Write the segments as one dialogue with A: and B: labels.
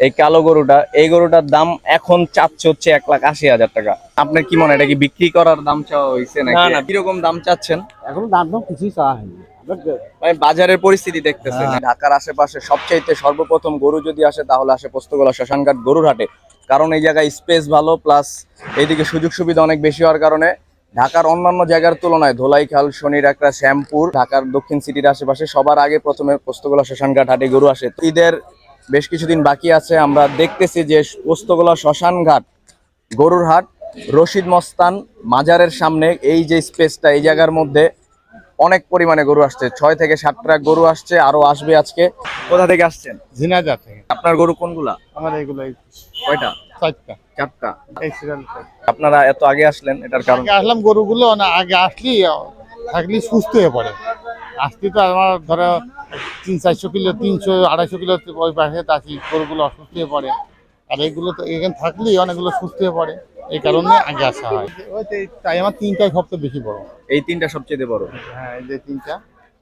A: এই কালো গরুটা, এই গরুটার দাম এখন চাচ্ছে হচ্ছে 1,80,000 টাকা। আপনার কি মনে হয় এটা কি বিক্রি করার দাম চাওয়া হয়েছে
B: না
A: নাকি
B: না,
A: কিরকম দাম চাচ্ছেন?
C: এখন দাম দাম কিছুই চাওয়া হয়নি।
A: মানে বাজারের পরিস্থিতি দেখতেছেন, ঢাকার আশেপাশে সবচাইতে সর্বপ্রথম গরু যদি আসে তাহলে আসে পোস্তগোলা শ্মশানঘাট গরুর হাটে। কারণ এই জায়গায় স্পেস ভালো, প্লাস এইদিকে সুযোগ সুবিধা অনেক বেশি হওয়ার কারণে ঢাকার অন্যান্য জায়গার তুলনায় ধোলাইখাল, শনিরআখড়া, শ্যামপুর, ঢাকার দক্ষিণ সিটির আশেপাশে সবার আগে প্রথমে পোস্তগোলা শ্মশানঘাট হাটে গরু আসে। ঈদের বেশ কিছুদিন বাকি আছে, আমরা দেখতেছি যে পোস্তগোলা শ্মশানঘাট গরুর হাট, রশিদ মস্তান মাজারের সামনে এই যে স্পেসটা, এই জায়গার মধ্যে অনেক পরিমাণে গরু আসছে। 6 থেকে 7 ট্রাক গরু আসছে, আরো আসবে আজকে। কোথা থেকে আসছেন?
C: ঝিনাইদহ থেকে।
A: আপনার গরু কোনগুলা?
C: আমার এইগুলো
A: কয়টা?
C: 4টা।
A: 4টা।
C: এই সিরিয়াল
A: আপনারা এত আগে আসলেন এটার কারণ?
C: আসলাম গরুগুলো না আগে আসলি থাকলে সুস্থ হয়ে পড়ে। আসতে তো আমার ধরো 300-400 কিলো, 300-250 কিলো ওই পাশে আসি, গরুগুলো অসুস্থ হয়ে পড়ে। আর এইগুলো তো এখানে থাকলেই অনেকগুলো সুস্থ হয়ে পড়ে, এই কারণে আগে আসা হয়। তাই আমার 3টাই সবচেয়ে বেশি বড়।
A: এই 3টা সবচেয়ে বড়?
C: হ্যাঁ, এই যে 3টা।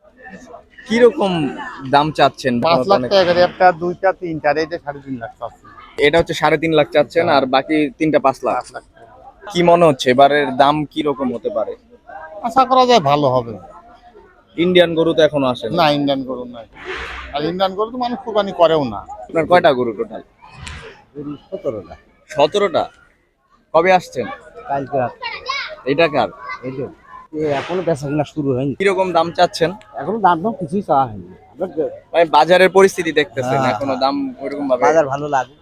A: কিরকম দাম চাচ্ছেন?
C: 5 লাখ টাকা করে, একটা, 2টা, 3টা, আর এইটা 3.5 লাখ চাচ্ছি।
A: এটা হচ্ছে 3.5 লাখ চাচ্ছেন, আর বাকি 3টা 5 লাখ।
C: 5 লাখ টাকা।
A: কি মনে হচ্ছে এবারের দাম কি রকম হতে পারে?
C: আশা করা যায় ভালো হবে।
A: ইন্ডিয়ান গরু তো এখনো আসে
C: না, ইন্ডিয়ান গরু নাই। আর ইন্ডিয়ান গরু তো মানুষ কোরবানি করেও না।
A: আপনার কয়টা গরু টোটাল?
C: 17টা।
A: 17টা। কবে আসছেন?
C: কালকে রাত।
A: এটা কার?
C: এই যে এখনো বেচা কিনা শুরু হয়নি।
A: কিরকম দাম চাচ্ছেন?
C: এখনো দাম দাম কিছুই চাওয়া হয়নি।
A: মানে বাজারের পরিস্থিতি দেখতেছেন,
C: হ্যাঁ,
A: এখনো দাম ওইরকম ভাবে
C: বাজার ভালো লাগুক।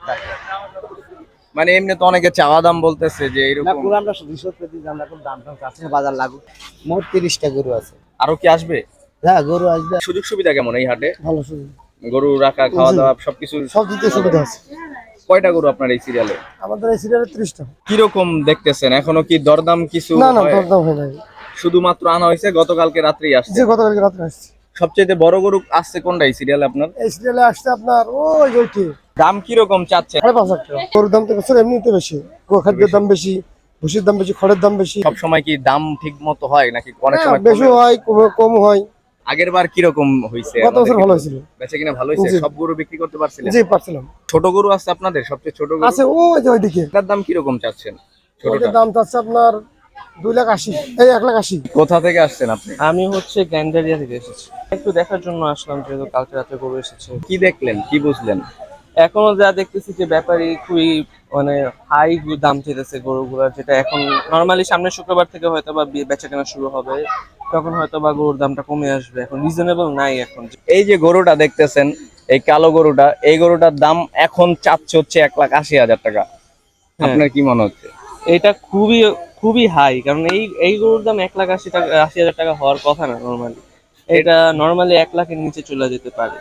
A: মানে এমনি তো অনেকে চাওয়া দাম বলতেছে যে
C: না,
A: এরকম।
C: পুরো আমরা 200 দিই, আমরা এখন দাম দাম চাচ্ছি না, বাজার লাগুক। মোট 30টা গরু আছে।
A: আরো কি আসবে?
C: হ্যাঁ, গরু আসবে।
A: সুযোগ সুবিধা কেমন এই হাটে?
C: ভালো সুযোগ।
A: গরু রাখা, খাওয়া দাওয়া সবকিছু?
C: সব দিতে সুবিধা আছে।
A: কয়টা গরু আপনার এই সিরিয়ালে?
C: আমাদের এই সিরিয়ালে 30টা।
A: কিরকম দেখতেছেন, এখনো কি দরদাম কিছু
C: না না,
A: হয়?
C: দরদাম হয় নাই।
A: শুধুমাত্র আনা হয়েছে, গতকালকে রাত্রেই আসছে।
C: যে গতকালকে রাত্রে আসছে।
A: সবচেয়ে বড় গরু আসছে কোনটা এই সিরিয়ালে আপনার?
C: এই সিরিয়ালে আসছে আপনার ওই ওইটি
A: দাম কিরকম চাচ্ছেন?
C: 5.5 লাখ টাকা। গরুর দাম তো বছর এমনিতে বেশি, খাদ্যের দাম বেশি, ভুসির দাম বেশি, খড়ের দাম বেশি।
A: সব সময় কি দাম ঠিক মতো হয় নাকি অনেক
C: হ্যাঁ,
A: সময়
C: বেশি হয়, কম হয়।
A: আগের বার কিরকম হয়েছে?
C: গত বছর ভালো হয়েছিল।
A: বেচা কিনা ভালো হয়েছে?
C: জি।
A: সব গরু বিক্রি করতে পারছিলেন?
C: জি, পারছিলাম।
A: ছোট গরু আছে আপনাদের? সবচেয়ে ছোট গরু
C: আছে ওই যে ওইদিকে।
A: এটার দাম কিরকম চাচ্ছেন? ছোটটা
C: ওইটার দাম চাচ্ছে আপনার 2,80,000, এই 1,80,000।
A: কোথা থেকে আসছেন আপনি?
B: আমি হচ্ছে গ্যান্ডারিয়া থেকে এসেছি, একটু দেখার জন্য আসলাম, যেহেতু কালকে রাতে গরু এসেছে।
A: কি দেখলেন, কি বুঝলেন?
B: এখনো যা দেখতেছি যে ব্যাপারী খুবই মানে হাই দাম চেয়েছে গরুগুলোর, যেটা এখন নর্মালি সামনের শুক্রবার থেকে হয়তো বা বেচা কেনা শুরু হবে, তখন হয়তো বা গরুর দামটা কমে আসবে। এখন রিজনেবল নাই এখন।
A: এই যে গরুটা দেখতেছেন, এই কালো গরুটা, এই গরুটার দাম এখন চাচ্ছে হচ্ছে 1,80,000 টাকা। আপনার কি মনে হচ্ছে?
B: এটা খুবই খুবই হাই, কারণ এই গরুর দাম 1,80,000 টাকা হওয়ার কথা না নর্মালি। এটা নর্মালি 1 লাখের নিচে চলে যেতে পারে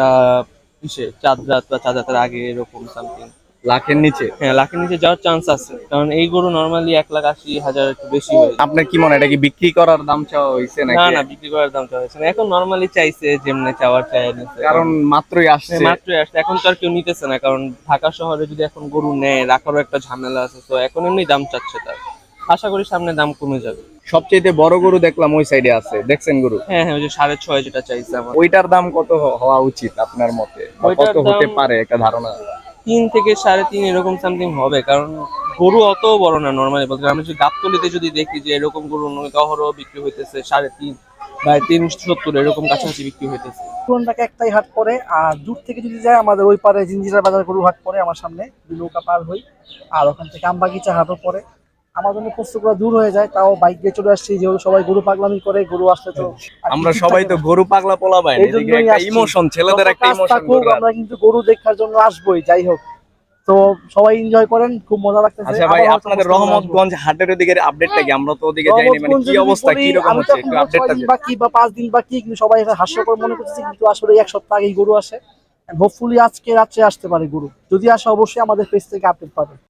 B: চাঁদ রাত বা চাঁদ রাতের আগে, এরকম সামথিং।
A: লাখের নিচে?
B: হ্যাঁ, লাখের নিচে যাওয়ার চান্স আছে, কারণ এই গরু নর্মালি 1,80,000 একটু বেশি হয়ে যায়।
A: আপনার কি মনে হয় এটা কি বিক্রি করার দাম চাওয়া হয়েছে
B: না
A: নাকি?
B: না, বিক্রি করার দামটা হয়েছে না, এখন নর্মালি চাইছে যেমনি চাওয়ার চাই নিচ্ছে।
A: কারণ মাত্রই আসছে।
B: মাত্রই আসছে, এখন তো আর কেউ নিতেছে না, কারণ ঢাকা শহরে যদি এখন গরু নেয় রাখারও একটা ঝামেলা আছে, তো এখন এমনি দাম চাচ্ছে তার। আশা করি সামনে দাম কমে যাবে।
A: সবচেয়ে বড় গরু দেখলাম ওই সাইডে আছে, দেখছেন গরু?
B: হ্যাঁ হ্যাঁ, ওই যে 6.5 যেটা চাইছে আমার।
A: ওইটার দাম কত হওয়া উচিত আপনার মতে, বা
B: ওইটার
A: কত হতে
B: দাম
A: পারে একটা ধারণা?
B: 3 থেকে 3.5 এরকম সামথিং হবে, কারণ গরু অত বড় না নর্মালি বলতে। আমি যদি গাবতলিতে যদি দেখি যে এরকম গরু অহরহ বিক্রি হইতেছে 3.5 বা 370 এরকম কাছাকাছি বিক্রি হইতেছে।
D: পুরান ঢাকা একটাই হাট পড়ে, আর দূর থেকে যদি যায় আমাদের ওই পারে জিঞ্জিরা বাজার গরু হাট পড়ে আমার সামনে, নৌকা পার হই। আর ওখান থেকে আমবাগিচা হাটও পড়ে। আমার জন্য কষ্টগুলো দূর হয়ে যায়, তাও বাইক দিয়ে চলে আসছি, যেহেতু সবাই গরু পাগলামি করে, গরু আসলে তো আর
A: আমরা
D: কিছু
A: সবাই
D: থাকে
A: তো
D: না।
A: গরু পাগলা পোলা পাই,
D: এই জন্যই
A: একটা
D: আসছি।
A: ইমোশন, ছেলেদের
D: যত
A: একটা
D: কাজ
A: ইমোশন।
D: থাকুক, আমরা কিন্তু গরু দেখার জন্য আসবোই, যাই হোক। তো সবাই এনজয় করেন, খুব মজা লাগতেছে।
A: আচ্ছা ভাই,
D: আবার হয়তো
A: আপনাদের
D: কষ্টগুলো আসবো।
A: রহমতগঞ্জ হাটের ওদিকে আপডেটটা কি? আমরা তো ওদিকে যাইনি, মানে
D: রহমতগঞ্জ
A: কি
D: যদি
A: অবস্থা,
D: বলি,
A: কি রকম
D: আমি তো
A: হচ্ছে
D: এখন
A: একটু
D: ধরো 6
A: আপডেটটা
D: দিন
A: দিন।
D: বাকি বা 5 দিন বাকি, কিন্তু সবাই এটা হাস্যকর মনে করতেছে, কিন্তু আসলে 1 সপ্তাহ আগেই গরু আসে। হোপফুলি আজকে রাত্রে আসতে পারে গরু। যদি আসে অবশ্যই আমাদের পেজ থেকে আপডেট পাবে।